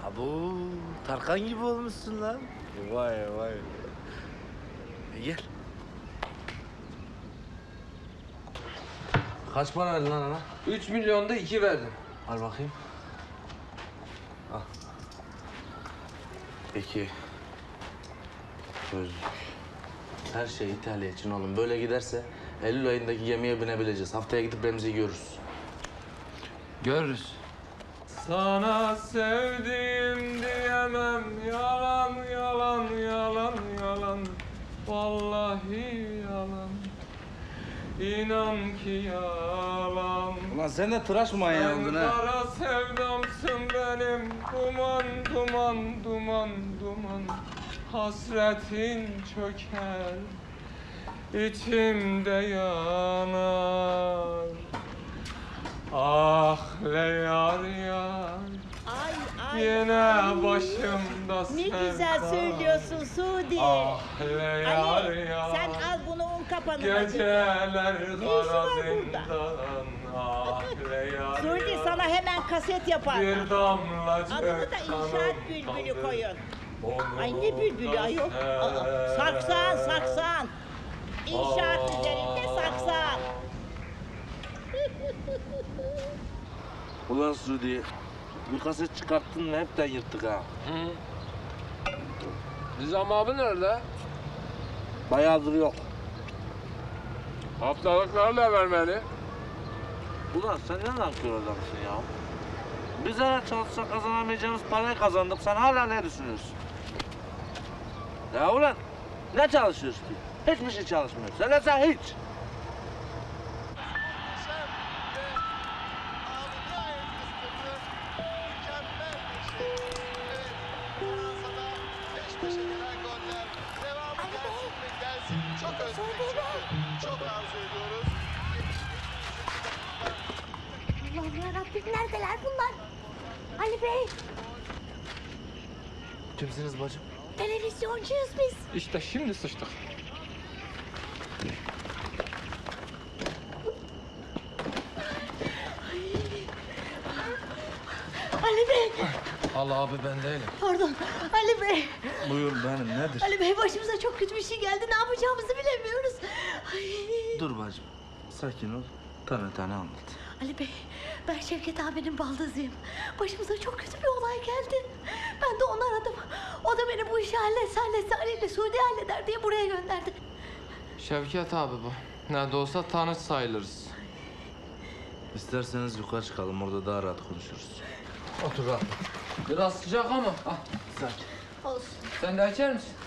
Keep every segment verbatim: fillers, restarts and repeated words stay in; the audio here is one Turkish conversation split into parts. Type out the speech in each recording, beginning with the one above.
Abo, Tarkan gibi olmuşsun lan. Vay vay. E, gel. Kaç para verdin lan ana? Üç milyonda iki verdim. Al bakayım. Al. Peki. Gözlük. Her şey İtalya için oğlum. Böyle giderse Eylül ayındaki gemiye binebileceğiz. Haftaya gidip Remzi'yi görürüz. Görürüz. Sana sevdim diyemem, yalan yalan yalan yalan, vallahi yalan, İnan ki yalan. Ulan sen de tıraş mı manyağı Sen oldun ha? kara sevdamsın benim, duman duman duman duman, hasretin çöker, içimde yanar. Ah le yar yar, Ay ay. yine ay. başımda Ne sevda. güzel söylüyorsun Suudi. Ah le yar Ali yar, sen al bunu un kapanına. geceler işi kara var burada? zindan. Ah le yar Suudi yar, sana hemen kaset yapar. bir damlacık Adını da inşaat kanım bülbülü kaldı. koyun. Onu Ay ne bülbülü da ayol. Aa, saksan saksan. İnşaat üzerinde saksan. Ulan Sudi, bir kaset çıkarttın ve hepten yırttık ha. Hı. Nizam abi nerede? Bayağıdır yok. Haftalıklarla vermeli. Ulan sen ne nankör adamsın ya? Biz her çalışsak kazanamayacağımız parayı kazandık. Sen hala ne düşünüyorsun? Ya ulan ne çalışıyorsun ki? Hiçbir şey çalışmıyorsun. Sen de sen hiç. Çok özledik çünkü. Çok arzu ediyoruz. Allah'ım yarabbim neredeler bunlar? Ali Bey, Kimsiniz bacım? televizyoncuyuz biz. İşte şimdi sıçtık. Ali Bey, Allah abi ben değilim. pardon. Ali Bey, Buyur benim nedir? Ali Bey başımıza çok kötü bir şey geldi. Ne yapacağımızı bilemiyoruz. Ay. Dur bacım. Sakin ol. Tane tane anlat. Ali Bey, ben Şevket abinin baldızıyım. Başımıza çok kötü bir olay geldi. Ben de onu aradım. O da beni bu işi halletse halletse Ali ile Suudi halleder diye buraya gönderdi. Şevket abi bu. Ne de olsa tanış sayılırız. İsterseniz yukarı çıkalım. Orada daha rahat konuşuruz. Otur rahat. Biraz sıcak ama. Ah, Sakin. Olsun. sen de içer misin?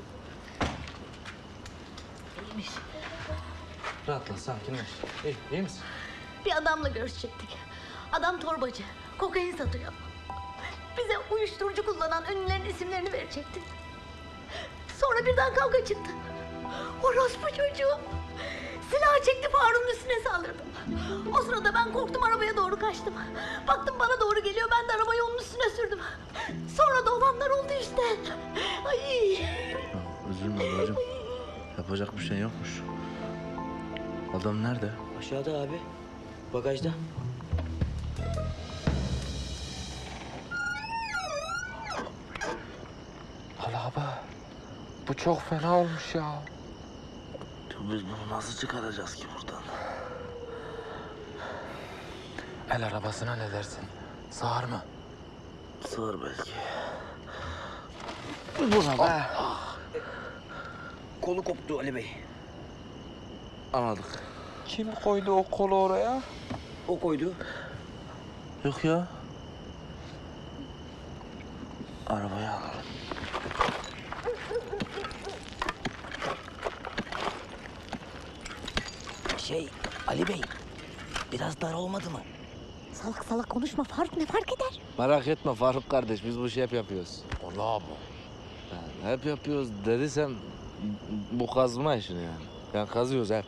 İyiymiş. Rahatla, sakinleş. İyi, iyi misin? Bir adamla görüşecektik. Adam torbacı, kokain satıyor. Bize uyuşturucu kullanan ünlülerin isimlerini verecekti. Sonra birden kavga çıktı. Orospu çocuğu silah çekti, Faruk'un üstüne saldırdı. O sırada ben korktum, arabaya doğru kaçtım. Baktım bana doğru geliyor, ben de arabayı onun üstüne sürdüm. Sonra da olanlar oldu işte. Ay. Ya, üzülme bacım. Yapacak bir şey yokmuş. Adam nerede? Aşağıda abi. Bagajda. Allah abi. Bu çok fena olmuş ya. Biz bunu nasıl çıkaracağız ki buradan? El arabasına ne dersin? Sığar mı? Sığır belki. Buna be. Kolu koptu Ali Bey. Anladık. Kim koydu o kolu oraya? O koydu. Yok ya. Arabayı alalım. Şey Ali Bey. Biraz dar olmadı mı? Salak salak konuşma Faruk, ne fark eder? Merak etme Faruk kardeş, biz bu işi hep yapıyoruz. Allah bu. Yani hep yapıyoruz dediysem bu kazma işini yani. Yani kazıyoruz hep.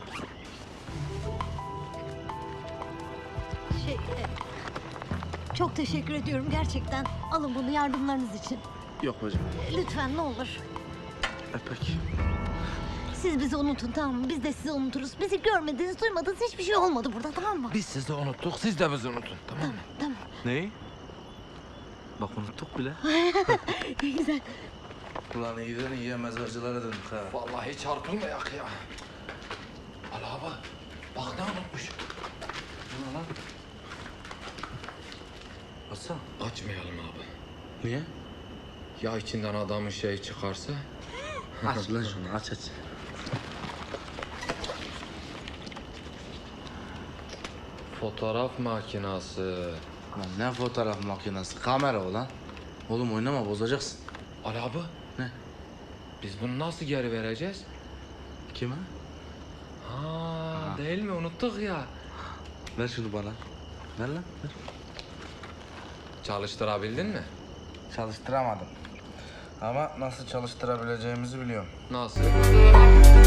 Şey, e, çok teşekkür ediyorum gerçekten. Alın bunu yardımlarınız için. Yok bacım. Lütfen ne olur. E peki. Siz bizi unutun, tamam mı? Biz de sizi unuturuz. Bizi görmediniz, duymadınız, hiçbir şey olmadı burada, tamam mı? Biz sizi unuttuk, siz de bizi unutun. Tamam mı? Tamam. Neyi? Bak unuttuk bile. Güzel. Ulan iyiden iyiye mezarcılara döndük ha. Vallahi çarpılmayak ya. Ali abi, bak ne unutmuş. Ne lan? Açsana. Açmayalım abi. Niye? Ya içinden adamın şeyi çıkarsa? Aç lan şunu aç aç. Fotoğraf makinası. Lan ne fotoğraf makinesi, kamera o lan. Oğlum oynama bozacaksın. Ali abi, Ne? biz bunu nasıl geri vereceğiz? Kime? Ha, değil mi? Unuttuk ya. Ver şunu bana. Ver lan ver. Çalıştırabildin mi? Çalıştıramadım. Ama nasıl çalıştırabileceğimizi biliyorum. Nasıl?